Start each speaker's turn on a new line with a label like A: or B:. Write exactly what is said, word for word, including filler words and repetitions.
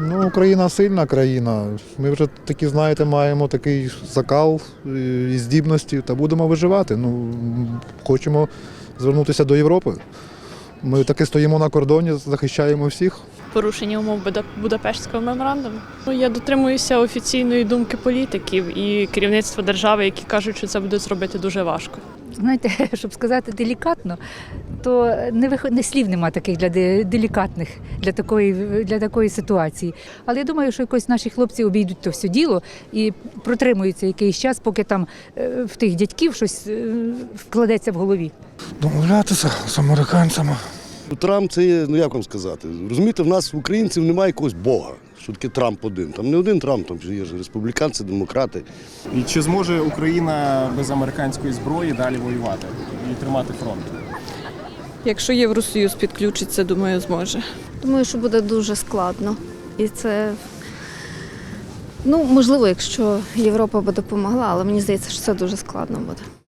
A: Ну, Україна сильна країна. Ми вже такі, знаєте, маємо такий закал і здібності та будемо виживати. Ну, хочемо звернутися до Європи. Ми таки стоїмо на кордоні, захищаємо всіх.
B: Порушення умов Будапештського меморандуму. Ну, я дотримуюся офіційної думки політиків і керівництва держави, які кажуть, що це буде зробити дуже важко.
C: Знаєте, щоб сказати делікатно, то не вих... не слів нема таких для де- делікатних для такої, для такої ситуації. Але я думаю, що якось наші хлопці обійдуть то все діло і протримуються якийсь час, поки там е, в тих дядьків щось е, вкладеться в голові.
D: Домовлятися з американцями.
E: Трамп це є, ну як вам сказати, розумієте, в нас, в українців, немає якогось Бога, що таке Трамп один. Там не один Трамп, там є ж республіканці, демократи.
F: І чи зможе Україна без американської зброї далі воювати і тримати фронт?
G: Якщо Євросоюз підключиться, думаю, зможе.
H: Думаю, що буде дуже складно. І це, ну, можливо, якщо Європа би допомогла, але мені здається, що це дуже складно буде.